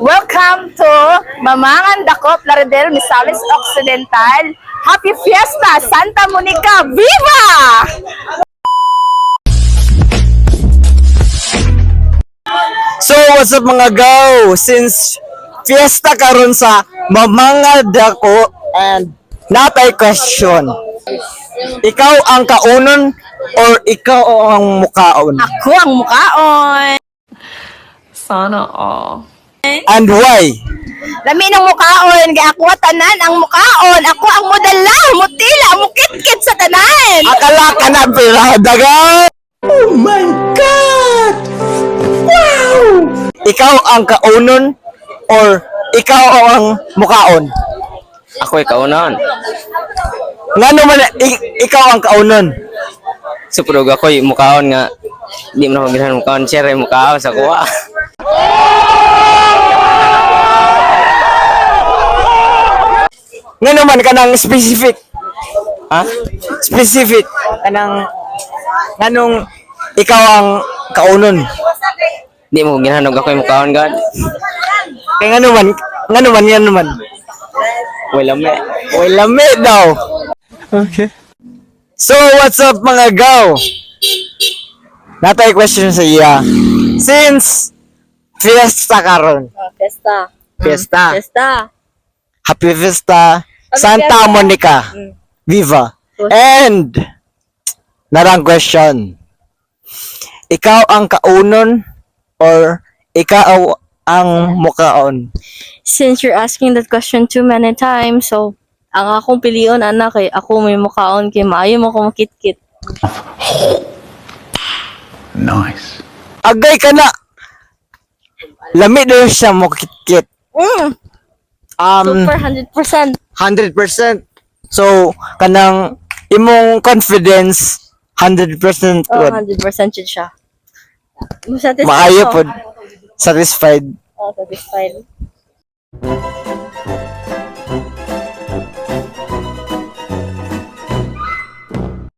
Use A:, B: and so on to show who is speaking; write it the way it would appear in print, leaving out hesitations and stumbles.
A: Welcome to Mamangan Dako, Plaridel, Misamis Occidental. Happy Fiesta, Santa Monica, Viva!
B: So what's up mga go? Since fiesta karon sa Mamangan Dako and natay question. Ikaw ang kaunon or ikaw ang mukaon?
A: Ako ang mukaon.
C: Sana all.
B: And why?
A: Lami ng mukaon, kaya ako tanan ang mukaon. Ako ang modala, mutila, mukit-kit sa tanan.
B: Akala ka na piradagan! Oh my God! Wow! Ikaw ang kaunon or ikaw ang mukaon?
D: Ako ikaunon.
B: Nga naman ikaw ang kaunon?
D: Suprog ako mukaon nga. Di mo na magbihan mukaon. Siyempre mukaon sa kuha.
B: Nga naman kanang specific.
D: Ha?
B: Specific. Kanang nganong ikaw ang kaunon?
D: Di mo ginahanog ako yung mukaon God.
B: Kaya nga naman.
D: Wala me.
B: Uy, lami daw. Okay. So, what's up mga go? Natay question sa iya. Since fiesta karon.
A: Fiesta.
B: Fiesta.
A: Fiesta.
B: Happy Fiesta. Santa Monica. Viva. And narang question. Ikaw ang kaunon or ikaw ang mukaon?
E: Since you're asking that question too many times, so ang akong pilion anak kay ako may mukaon kay maayo mo ko makit-kit.
F: Nice.
B: Agay ka na. Lami daw siya mo kit-kit.
E: Super 100%.
B: 100%. So, kanang imong confidence 100%
E: Oh,
B: good.
E: 100% yun siya. Satisfied
B: Maayo
E: ako.
B: pod. Satisfied.
E: Oh, satisfied.